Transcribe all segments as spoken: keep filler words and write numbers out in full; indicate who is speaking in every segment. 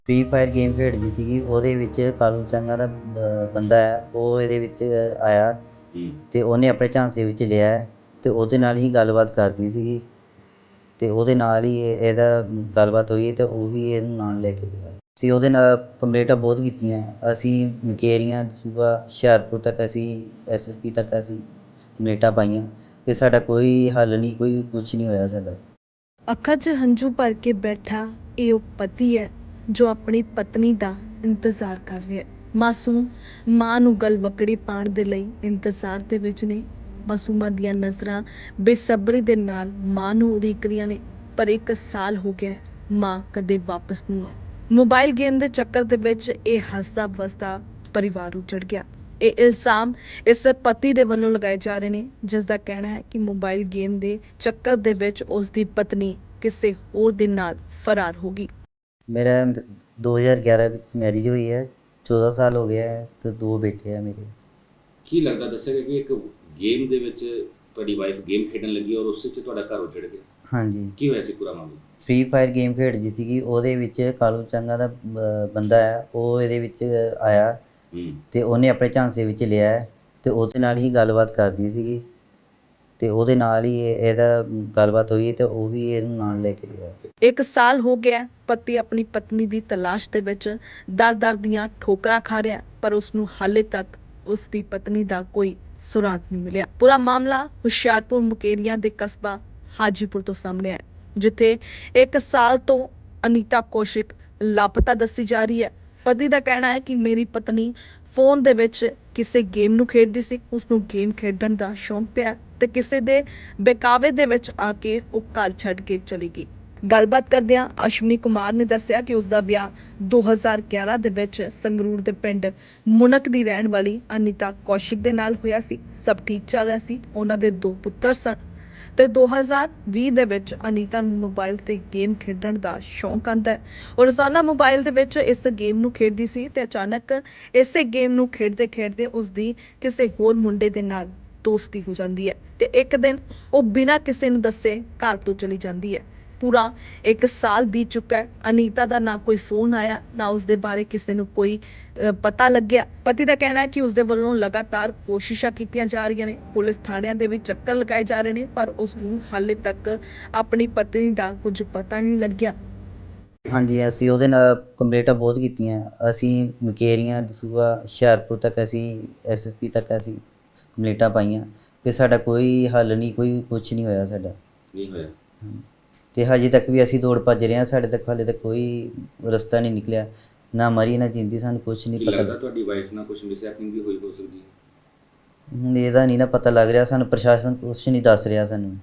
Speaker 1: Free fire game ਖੇਡਦੀ ਸੀਗੀ, ਉਹਦੇ ਵਿੱਚ ਕਾਲੂ ਚੰਗਾ ਦਾ ਬ- ਬੰਦਾ ਹੈ, ਉਹ ਇਹਦੇ ਵਿੱਚ ਆਇਆ ਤੇ ਉਹਨੇ ਆਪਣੇ ਝਾਂਸੇ ਵਿੱਚ ਲਿਆ ਹੈ ਤੇ ਉਹਦੇ ਨਾਲ ਹੀ ਗੱਲਬਾਤ ਕਰਦੀ ਸੀਗੀ ਤੇ ਉਹਦੇ ਨਾਲ ਹੀ ਇਹ- ਇਹਦਾ ਗੱਲਬਾਤ ਹੋਈ ਤੇ ਉਹ ਵੀ ਇਹਨੂੰ ਨਾਲ ਲੈ ਕੇ ਗਿਆ। ਅਸੀਂ ਉਹਦੇ ਨਾਲ ਕੰਪਲੇਂਟਾਂ ਬਹੁਤ ਕੀਤੀਆਂ, ਅਸੀਂ ਮੁਕੇਰੀਆਂ ਦਸੂਹਾ ਹੁਸ਼ਿਆਰਪੁਰ ਤੱਕ ਅਸੀਂ ਐਸ ਐਸ ਪੀ ਤੱਕ ਅਸੀਂ ਕੰਪਲੇਂਟਾਂ ਪਾਈਆਂ ਤੇ ਸਾਡਾ ਕੋਈ ਹੱਲ ਨਹੀਂ, ਕੋਈ ਕੁਛ ਨਹੀਂ ਹੋਇਆ ਸਾਡਾ।
Speaker 2: ਅੱਖਾਂ 'ਚ ਹੰਝੂ ਭਰ ਕੇ ਬੈਠਾ ਇਹ ਉਹ ਪਤੀ ਹੈ ਜੋ ਆਪਣੀ ਪਤਨੀ ਦਾ ਇੰਤਜ਼ਾਰ ਕਰ ਰਿਹਾ ਹੈ। ਮਾਸੂਮ ਮਾਂ ਨੂੰ ਗਲਵੱਕੜੀ ਪਾਉਣ ਦੇ ਲਈ ਇੰਤਜ਼ਾਰ ਦੇ ਵਿੱਚ ਨੇ। ਮਾਸੂਮਾਂ ਦੀਆਂ ਨਜ਼ਰਾਂ ਬੇਸਬਰੀ ਦੇ ਨਾਲ ਮਾਂ ਨੂੰ ਉਡੀਕ ਰਹੀਆਂ ਨੇ, ਪਰ ਇੱਕ ਸਾਲ ਹੋ ਗਿਆ ਹੈ, ਮਾਂ ਕਦੇ ਵਾਪਸ ਨਹੀਂ ਆਈ। ਮੋਬਾਈਲ ਗੇਮ ਦੇ ਚੱਕਰ ਦੇ ਵਿੱਚ ਇਹ ਹੱਸਦਾ ਵਸਦਾ ਪਰਿਵਾਰ ਉਜੜ ਗਿਆ। ਇਹ ਇਲਜ਼ਾਮ ਇਸ ਪਤੀ ਦੇ ਵੱਲੋਂ ਲਗਾਏ ਜਾ ਰਹੇ ਨੇ, ਜਿਸ ਦਾ ਕਹਿਣਾ ਹੈ ਕਿ ਮੋਬਾਈਲ ਗੇਮ ਦੇ ਚੱਕਰ ਦੇ ਵਿੱਚ ਉਸ ਦੀ ਪਤਨੀ ਕਿਸੇ ਹੋਰ ਦੇ ਨਾਲ ਫਰਾਰ ਹੋ ਗਈ।
Speaker 1: ਮੇਰਾ ਦੋ ਹਜ਼ਾਰ ਗਿਆਰਾਂ ਵਿੱਚ ਮੈਰਿਜ ਹੋਈ ਹੈ, ਚੌਦਾਂ ਸਾਲ ਹੋ ਗਿਆ ਹੈ ਤੇ ਦੋ ਬੇਟੇ ਆ ਮੇਰੇ।
Speaker 3: ਕੀ ਲੱਗਦਾ ਦੱਸਿਆ ਕਿ ਇੱਕ ਗੇਮ ਦੇ ਵਿੱਚ ਤੁਹਾਡੀ ਵਾਈਫ ਗੇਮ ਖੇਡਣ ਲੱਗੀ ਔਰ ਉਸ 'ਚ ਤੁਹਾਡਾ ਘਰ ਉਜੜ ਗਿਆ?
Speaker 1: ਹਾਂਜੀ,
Speaker 3: ਕੀ ਹੋਇਆ ਸੀ ਪੂਰਾ ਮਾਮਲਾ?
Speaker 1: ਫ੍ਰੀ ਫਾਇਰ ਗੇਮ ਖੇਡਦੀ ਸੀਗੀ, ਉਹਦੇ ਵਿੱਚ ਕਾਲੂ ਚੰਗਾ ਦਾ ਬ- ਬੰਦਾ ਹੈ, ਉਹ ਇਹਦੇ ਵਿੱਚ ਆਇਆ
Speaker 3: ਹੂੰ
Speaker 1: ਤੇ ਉਹਨੇ ਆਪਣੇ ਝਾਂਸੇ ਵਿੱਚ ਲਿਆ ਹੈ ਤੇ ਉਹਦੇ ਨਾਲ ਹੀ ਗੱਲਬਾਤ ਕਰਦੀ ਸੀਗੀ ਤੇ ਉਹਦੇ ਨਾਲ ਹੀ ਇਹ- ਇਹਦਾ ਗੱਲਬਾਤ ਹੋਈ ਤੇ ਉਹ ਵੀ ਇਹਨੂੰ ਨਾਲ ਲੈ ਕੇ ਗਿਆ।
Speaker 2: ਇੱਕ ਸਾਲ ਹੋ ਗਿਆ, ਪਤੀ ਆਪਣੀ ਪਤਨੀ ਦੀ ਤਲਾਸ਼ ਦੇ ਵਿੱਚ ਦਰ-ਦਰ ਦੀਆਂ ਠੋਕਰਾਂ ਖਾ ਰਿਹਾ, ਪਰ ਉਸ ਨੂੰ ਹਾਲੇ ਤੱਕ ਉਸ ਦੀ ਪਤਨੀ ਦਾ ਕੋਈ ਸੁਰਾਗ ਨਹੀਂ ਮਿਲਿਆ। ਪੂਰਾ ਮਾਮਲਾ ਹੁਸ਼ਿਆਰਪੁਰ ਮੁਕੇਰੀਆਂ ਦੇ ਕਸਬਾ ਹਾਜੀਪੁਰ ਤੋਂ ਸਾਹਮਣੇ ਆਇਆ, ਜਿੱਥੇ ਇੱਕ ਸਾਲ ਤੋਂ ਅਨੀਤਾ ਕੌਸ਼ਿਕ ਲਾਪਤਾ ਦੱਸੀ ਜਾ ਰਹੀ ਹੈ। ਪਤੀ ਦਾ ਕਹਿਣਾ ਹੈ ਕਿ ਮੇਰੀ ਪਤਨੀ ਫੋਨ ਦੇ ਵਿੱਚ ਕਿਸੇ ਗੇਮ ਨੂੰ ਖੇਡਦੀ ਸੀ, ਉਸ ਨੂੰ ਗੇਮ ਖੇਡਣ ਦਾ ਸ਼ੌਂਕ ਪਿਆ ਤੇ ਕਿਸੇ ਦੇ ਬਹਿਕਾਵੇ ਦੇ ਵਿੱਚ ਆ ਕੇ ਉਹ ਘਰ ਛੱਡ ਕੇ ਚਲੀ ਗਈ। ਗੱਲਬਾਤ ਕਰਦਿਆਂ ਅਸ਼ਵਨੀ ਕੁਮਾਰ ਨੇ ਦੱਸਿਆ ਕਿ ਉਸ ਦਾ ਵਿਆਹ ਦੋ ਹਜ਼ਾਰ ਗਿਆਰਾਂ ਦੇ ਵਿੱਚ ਸੰਗਰੂਰ ਦੇ ਪਿੰਡ ਮੁਨਕ ਦੀ ਰਹਿਣ ਵਾਲੀ ਅਨੀਤਾ ਕੌਸ਼ਿਕ ਦੇ ਨਾਲ ਹੋਇਆ ਸੀ। ਸਭ ਠੀਕ ਚੱਲ ਰਿਹਾ ਸੀ, ਉਹਨਾਂ ਦੇ ਦੋ ਪੁੱਤਰ ਸਨ ਤੇ ਦੋ ਹਜ਼ਾਰ ਵੀਹ ਦੇ ਵਿੱਚ ਅਨੀਤਾ ਨੂੰ ਮੋਬਾਈਲ ਤੇ ਗੇਮ ਖੇਡਣ ਦਾ ਸ਼ੌਂਕ ਆਉਂਦਾ ਹੈ। ਉਹ ਰੋਜ਼ਾਨਾ ਮੋਬਾਈਲ ਦੇ ਵਿੱਚ ਇਸ ਗੇਮ ਨੂੰ ਖੇਡਦੀ ਸੀ ਤੇ ਅਚਾਨਕ ਇਸੇ ਗੇਮ ਨੂੰ ਖੇਡਦੇ ਖੇਡਦੇ ਉਸ ਦੀ ਕਿਸੇ ਹੋਰ ਮੁੰਡੇ ਦੇ ਨਾਲ ਦੋਸਤੀ ਹੋ ਜਾਂਦੀ ਹੈ ਤੇ ਇੱਕ ਦਿਨ ਉਹ ਬਿਨਾਂ ਕਿਸੇ ਨੂੰ ਦੱਸੇ ਘਰ ਤੋਂ ਚਲੀ ਜਾਂਦੀ ਹੈ। ਪੂਰਾ ਇੱਕ ਸਾਲ ਬੀਤ ਚੁੱਕਾ ਹੈ, ਅਨੀਤਾ ਦਾ ਨਾ ਕੋਈ ਫੋਨ ਆਇਆ, ਨਾ ਉਸ ਦੇ ਬਾਰੇ ਕਿਸੇ ਨੂੰ ਕੋਈ ਅ, ਪਤਾ ਲੱਗਿਆ। ਪਤੀ ਦਾ ਕਹਿਣਾ ਹੈ ਕਿ ਉਸ ਦੇ ਵੱਲੋਂ ਲਗਾਤਾਰ ਕੋਸ਼ਿਸ਼ਾਂ ਕੀਤੀਆਂ ਜਾ ਰਹੀਆਂ ਨੇ, ਪੁਲਿਸ ਥਾਣਿਆਂ ਦੇ ਵਿੱਚ ਚੱਕਰ ਲਗਾਏ ਜਾ ਰਹੇ ਨੇ, ਪਰ ਉਸ ਨੂੰ ਹਾਲੇ ਤੱਕ ਆਪਣੀ ਪਤਨੀ ਦਾ ਕੁਝ ਪਤਾ ਨਹੀਂ ਲੱਗਿਆ।
Speaker 1: ਹਾਂਜੀ, ਅਸੀਂ ਉਹਦੇ ਨਾਲ ਕੰਪਲੇਂਟਾਂ ਬਹੁਤ ਕੀਤੀਆਂ, ਅਸੀਂ ਮੁਕੇਰੀਆਂ ਦਸੂਹਾ ਹੁਸ਼ਿਆਰਪੁਰ ਤੱਕ ਅਸੀਂ ਐਸ ਐਸ ਪੀ ਤੱਕ ਅਸੀਂ ਕੰਪਲੇਂਟਾਂ ਪਾਈਆਂ ਤੇ ਸਾਡਾ ਕੋਈ ਹੱਲ ਨਹੀਂ, ਕੋਈ ਕੁਛ ਨਹੀਂ ਹੋਇਆ ਸਾਡਾ।
Speaker 3: ਨਹੀਂ ਹੋਇਆ?
Speaker 1: ਤੇ ਹਜੇ ਤੱਕ ਵੀ ਅਸੀਂ ਦੌੜ ਭੱਜ ਰਹੇ ਹਾਂ, ਸਾਡੇ ਤੱਕ ਹਾਲੇ ਤੱਕ ਕੋਈ ਰਸਤਾ ਨਹੀਂ ਨਿਕਲਿਆ, ਨਾ ਮਰੀ ਨਾ ਜਿੰਦੀ, ਸਾਨੂੰ ਕੁਛ
Speaker 3: ਕੀ
Speaker 1: ਨਹੀਂ ਪਤਾ।
Speaker 3: ਲੱਗਦਾ ਤੁਹਾਡੀ ਵਾਈਫ ਨਾਲ ਕੁਝ ਮਿਸਹੈਪਨਿੰਗ ਵੀ ਹੋਈ ਹੋ ਸਕਦੀ ਹੈ?
Speaker 1: ਹੁਣ ਇਹਦਾ ਨਹੀਂ ਨਾ ਪਤਾ ਲੱਗ ਰਿਹਾ ਸਾਨੂੰ, ਪ੍ਰਸ਼ਾਸਨ ਕੁਛ ਨਹੀਂ ਦੱਸ ਰਿਹਾ ਸਾਨੂੰ।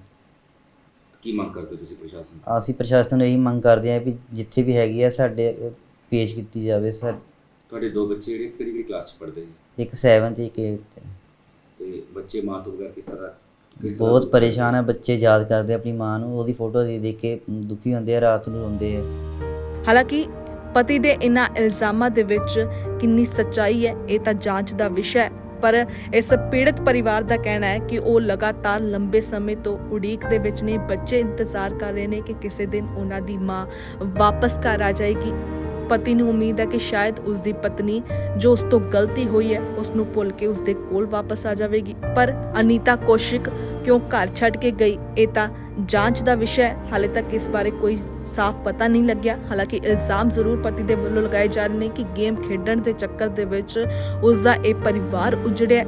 Speaker 3: ਕੀ ਮੰਗ ਕਰਦੇ ਹੋ ਤੁਸੀਂ ਪ੍ਰਸ਼ਾਸਨ ਤੋਂ?
Speaker 1: ਅਸੀਂ ਪ੍ਰਸ਼ਾਸਨ ਨੂੰ ਇਹੀ ਮੰਗ ਕਰਦੇ ਹਾਂ ਵੀ ਜਿੱਥੇ ਵੀ ਹੈਗੀ ਆ ਸਾਡੇ ਪੇਸ਼ ਕੀਤੀ ਜਾਵੇ। ਸਰ,
Speaker 3: ਤੁਹਾਡੇ ਦੋ ਬੱਚੇ ਜਿਹੜੇ ਕਿਹੜੀ ਕਿਹੜੀ ਕਲਾਸ 'ਚ ਪੜ੍ਹਦੇ ਨੇ?
Speaker 1: ਇੱਕ ਸੈਵਨ ਤੇ ਇੱਕ ਏਟ।
Speaker 3: ਤੇ ਬੱਚੇ ਮਾਂ ਤੋਂ ਬਗੈਰ ਕਿਸ ਤਰ੍ਹਾਂ ਕਿਸ ਤਰ੍ਹਾਂ
Speaker 1: ਬਹੁਤ
Speaker 3: ਦੁੱਖ
Speaker 1: ਪਰੇਸ਼ਾਨ
Speaker 3: ਕਰਦੇ?
Speaker 1: ਹੈ, ਬੱਚੇ ਯਾਦ ਕਰਦੇ ਆਪਣੀ ਮਾਂ ਨੂੰ, ਉਹਦੀ ਫੋਟੋ ਦੇਖ ਦੇਖ ਕੇ ਦੁਖੀ ਹੁੰਦੇ ਆ, ਰਾਤ ਨੂੰ ਰੋਂਦੇ ਆ।
Speaker 2: ਹਾਲਾਂਕਿ ਪਤੀ ਦੇ ਇਨ੍ਹਾਂ ਇਲਜ਼ਾਮਾਂ ਦੇ ਵਿੱਚ ਕਿੰਨੀ ਸੱਚਾਈ ਹੈ ਇਹ ਤਾਂ ਜਾਂਚ ਦਾ ਵਿਸ਼ਾ ਹੈ, ਪਰ ਇਸ ਪੀੜਤ ਪਰਿਵਾਰ ਦਾ ਕਹਿਣਾ ਹੈ ਕਿ ਉਹ ਲਗਾਤਾਰ ਲੰਬੇ ਸਮੇਂ ਤੋਂ ਉਡੀਕ ਦੇ ਵਿੱਚ ਨੇ। ਬੱਚੇ ਇੰਤਜ਼ਾਰ ਕਰ ਰਹੇ ਨੇ ਕਿ ਕਿਸੇ ਦਿਨ ਉਹਨਾਂ ਦੀ ਮਾਂ ਵਾਪਸ ਘਰ ਆ ਜਾਏਗੀ। ਪਤੀ ਨੂੰ ਉਮੀਦ ਹੈ ਕਿ ਸ਼ਾਇਦ ਉਸ ਦੀ ਪਤਨੀ ਜੋ ਉਸ ਤੋਂ ਗਲਤੀ ਹੋਈ ਹੈ ਉਸ ਨੂੰ ਭੁੱਲ ਕੇ ਉਸ ਦੇ ਕੋਲ ਵਾਪਸ ਆ ਜਾਵੇਗੀ, ਪਰ ਅਨੀਤਾ ਕੌਸ਼ਿਕ ਕਿਉਂ ਘਰ ਛੱਡ ਕੇ ਗਈ ਇਹ ਤਾਂ ਜਾਂਚ ਦਾ ਵਿਸ਼ਾ ਹੈ। ਹਾਲੇ ਤੱਕ ਇਸ ਬਾਰੇ ਕੋਈ ਸਾਫ਼ ਪਤਾ ਨਹੀਂ ਲੱਗਿਆ। ਹਾਲਾਂਕਿ ਇਲਜ਼ਾਮ ਜ਼ਰੂਰ ਪਤੀ ਦੇ ਵੱਲੋਂ ਲਗਾਏ ਜਾ ਰਹੇ ਨੇ ਕਿ ਗੇਮ ਖੇਡਣ ਦੇ ਚੱਕਰ ਦੇ ਵਿੱਚ ਉਸ ਦਾ ਇਹ ਪਰਿਵਾਰ ਉਜੜਿਆ।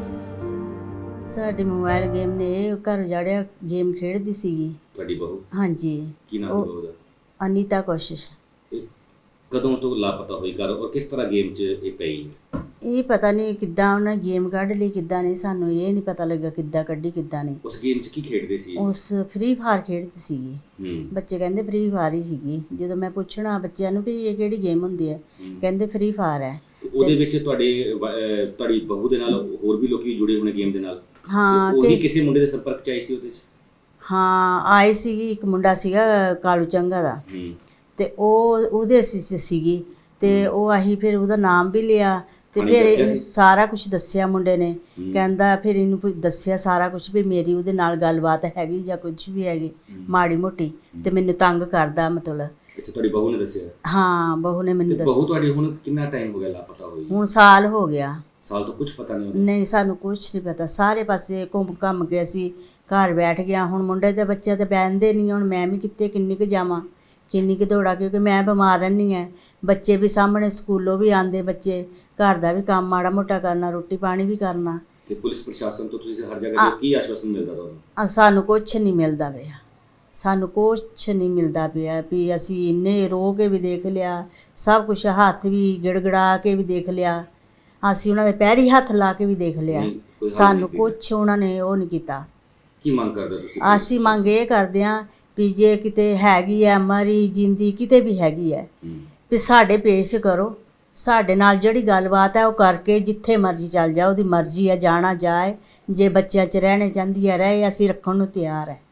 Speaker 4: ਸਾਡੇ ਮੋਬਾਈਲ ਗੇਮ ਨੇ ਇਹ ਘਰ ਉਜਾੜਿਆ। ਗੇਮ ਖੇਡਦੀ ਸੀਗੀ।
Speaker 3: ਤੁਹਾਡੀ ਬਹੂ?
Speaker 4: ਹਾਂਜੀ।
Speaker 3: ਕੀ ਨਾਮ
Speaker 4: ਉਹ
Speaker 3: ਸੀ ਬਹੂ ਦਾ?
Speaker 4: ਅਨੀਤਾ ਕੋਸ਼ਿਸ਼।
Speaker 3: ਇਹ ਕਦੋਂ ਤੋਂ ਲਾਪਤਾ ਹੋਈ ਘਰ ਔਰ ਕਿਸ ਤਰ੍ਹਾਂ ਗੇਮ 'ਚ ਇਹ ਪਈ ਹੈ?
Speaker 4: ਇਹ ਪਤਾ ਨਹੀਂ ਕਿੱਦਾਂ ਉਹਨਾਂ ਗੇਮ ਕੱਢ ਲਈ, ਕਿੱਦਾਂ ਨਹੀਂ, ਸਾਨੂੰ ਇਹ ਨਹੀਂ ਪਤਾ ਲੱਗਾ ਕਿੱਦਾਂ ਕੱਢੀ ਕਿੱਦਾਂ ਨਹੀਂ।
Speaker 3: ਉਸ ਗੇਮ 'ਚ ਕੀ ਖੇਡਦੇ ਸੀ?
Speaker 4: ਉਸ ਫ੍ਰੀ ਫਾਇਰ ਖੇਡਦੀ ਸੀਗੀ।
Speaker 3: ਹੂੰ
Speaker 4: ਬੱਚੇ ਕਹਿੰਦੇ ਫ੍ਰੀ ਫਾਇਰ ਹੀ ਸੀਗੀ। ਜਦੋਂ ਮੈਂ ਪੁੱਛਣਾ ਬੱਚਿਆਂ ਨੂੰ ਵੀ ਇਹ ਕਿਹੜੀ ਗੇਮ ਹੁੰਦੀ ਹੈ,
Speaker 3: ਹੂੰ।
Speaker 4: ਕਹਿੰਦੇ ਫ੍ਰੀ ਫਾਇਰ ਹੈ।
Speaker 3: ਉਹਦੇ ਵਿੱਚ ਤੁਹਾਡੇ ਵ- ਅਹ ਤੁਹਾਡੀ ਬਹੂ ਦੇ ਨਾਲ ਹੋਰ ਵੀ ਲੋਕੀ ਜੁੜੇ ਹੋਣੇ ਗੇਮ ਦੇ ਨਾਲ?
Speaker 4: ਹਾਂ
Speaker 3: ਉਹੀ
Speaker 4: ਕਿ
Speaker 3: ਕਿਸੇ ਮੁੰਡੇ ਦੇ ਸੰਪਰਕ 'ਚ ਆਈ ਸੀ ਉਹਦੇ 'ਚ?
Speaker 4: ਹਾਂ ਆਈ ਸੀਗੀ, ਇੱਕ ਮੁੰਡਾ ਸੀਗਾ ਕਾਲੂ ਚੰਗਾ ਦਾ,
Speaker 3: ਹੂੰ
Speaker 4: ਤੇ ਉਹ ਉਹਦੇ ਅਸੀਂ 'ਚ ਸੀਗੀ ਤੇ ਉਹ ਅਸੀਂ ਫਿਰ ਉਹਦਾ ਨਾਮ ਵੀ ਲਿਆ ਤੇ
Speaker 3: ਉਹਨੇ
Speaker 4: ਫਿਰ
Speaker 3: ਦੱਸਿਆ
Speaker 4: ਇਹਨੂੰ
Speaker 3: ਸੀ?
Speaker 4: ਸਾਰਾ ਕੁਝ ਦੱਸਿਆ ਮੁੰਡੇ ਨੇ।
Speaker 3: ਹੂੰ।
Speaker 4: ਕਹਿੰਦਾ ਫਿਰ ਇਹਨੂੰ ਪੁ- ਦੱਸਿਆ ਸਾਰਾ ਕੁਝ ਵੀ ਮੇਰੀ ਉਹਦੇ ਨਾਲ ਗੱਲਬਾਤ ਹੈਗੀ ਜਾਂ ਕੁਝ ਵੀ ਹੈਗੀ
Speaker 3: ਹੂੰ।
Speaker 4: ਮਾੜੀ ਮੋਟੀ, ਤੇ ਮੈਨੂੰ ਤੰਗ ਕਰਦਾ ਮਤਲਬ।
Speaker 3: ਅੱਛਾ, ਤੁਹਾਡੀ ਬਹੂ ਨੇ ਦੱਸਿਆ?
Speaker 4: ਹਾਂ, ਬਹੂ ਨੇ ਮੈਨੂੰ
Speaker 3: ਤੇ ਬਹੂ
Speaker 4: ਦੱਸ
Speaker 3: ਤੁਹਾਡੀ ਹੁਣ ਕਿੰਨਾ ਟਾਈਮ ਹੋ ਗਿਆ ਲਾਪਤਾ ਹੋਈ?
Speaker 4: ਹੁਣ ਸਾਲ ਹੋ ਗਿਆ।
Speaker 3: ਸਾਲ ਤੋਂ ਕੁਝ ਪਤਾ ਨਹੀਂ ਉਹਨੂੰ?
Speaker 4: ਨਹੀਂ, ਸਾਨੂੰ ਕੁਝ ਨਹੀਂ ਪਤਾ। ਸਾਰੇ ਪਾਸੇ ਘੁੰਮ ਘੰਮ ਕੇ ਅਸੀਂ ਘਰ ਬੈਠ ਗਿਆ। ਹੁਣ ਮੁੰਡੇ ਦੇ ਬੱਚੇ ਤੇ ਬਹਿੰਦੇ ਨਹੀਂ। ਹੁਣ ਮੈਂ ਵੀ ਕਿੱਥੇ ਕਿੰਨੀ ਕੁ ਜਾਵਾਂ, ਕਿੰਨੀ ਕੁ ਦੌੜਾਂ, ਕਿਉਂਕਿ ਮੈਂ ਬਿਮਾਰ ਰਹਿੰਦੀ ਹਾਂ। ਬੱਚੇ ਵੀ ਸਾਹਮਣੇ, ਸਕੂਲੋਂ ਵੀ ਆਉਂਦੇ ਬੱਚੇ, ਘਰ ਦਾ ਵੀ ਕੰਮ ਮਾੜਾ ਮੋਟਾ ਕਰਨਾ, ਰੋਟੀ ਪਾਣੀ ਵੀ ਕਰਨਾ।
Speaker 3: ਤੇ ਪੁਲਿਸ ਪ੍ਰਸ਼ਾਸਨ ਤੋਂ ਤੁਸੀਂ ਹਰ ਜਗ੍ਹਾ ਤੇ ਕੀ ਆਸ਼ਵਾਸਨ ਮਿਲਦਾ ਤੁਹਾਨੂੰ?
Speaker 4: ਅ ਸਾਨੂੰ ਕੁਛ ਨਹੀਂ ਮਿਲਦਾ ਪਿਆ, ਸਾਨੂੰ ਕੁਛ ਨਹੀਂ ਮਿਲਦਾ ਪਿਆ ਵੀ ਅਸੀਂ ਇੰਨੇ ਰੋ ਕੇ ਵੀ ਦੇਖ ਲਿਆ, ਸਭ ਕੁਛ ਹੱਥ ਵੀ ਗਿੜਗੜਾ ਕੇ ਵੀ ਦੇਖ ਲਿਆ, ਅਸੀਂ ਉਹਨਾਂ ਦੇ ਪੈਰੀ ਹੱਥ ਲਾ ਕੇ ਵੀ ਦੇਖ ਲਿਆ,
Speaker 3: ਨਹੀਂ, ਕੋਈ ਹੱਲ
Speaker 4: ਸਾਨੂੰ
Speaker 3: ਨਹੀਂ
Speaker 4: ਕੁਛ ਉਹਨਾਂ ਨੇ ਉਹ ਨਹੀਂ ਕੀਤਾ।
Speaker 3: ਕੀ ਮੰਗ ਕਰਦੇ ਹੋ ਤੁਸੀਂ?
Speaker 4: ਅਸੀਂ ਮੰਗ ਇਹ ਕਰਦੇ ਹਾਂ ਵੀ ਜੇ ਕਿਤੇ ਹੈਗੀ ਹੈ ਮਰੀ ਜਿੰਦੀ, ਕਿਤੇ ਵੀ ਹੈਗੀ ਹੈ,
Speaker 3: ਹੂੰ।
Speaker 4: ਵੀ ਸਾਡੇ ਪੇਸ਼ ਕਰੋ। ਸਾਡੇ ਨਾਲ ਜਿਹੜੀ ਗੱਲਬਾਤ ਹੈ ਉਹ ਕਰਕੇ ਜਿੱਥੇ ਮਰਜ਼ੀ ਚੱਲ ਜਾ, ਉਹਦੀ ਮਰਜ਼ੀ ਹੈ, ਜਾਣਾ ਜਾਏ। ਜੇ ਬੱਚਿਆਂ 'ਚ ਰਹਿਣੇ ਚਾਹੁੰਦੀ ਹੈ ਰਹੇ, ਅਸੀਂ ਰੱਖਣ ਨੂੰ ਤਿਆਰ ਹੈ।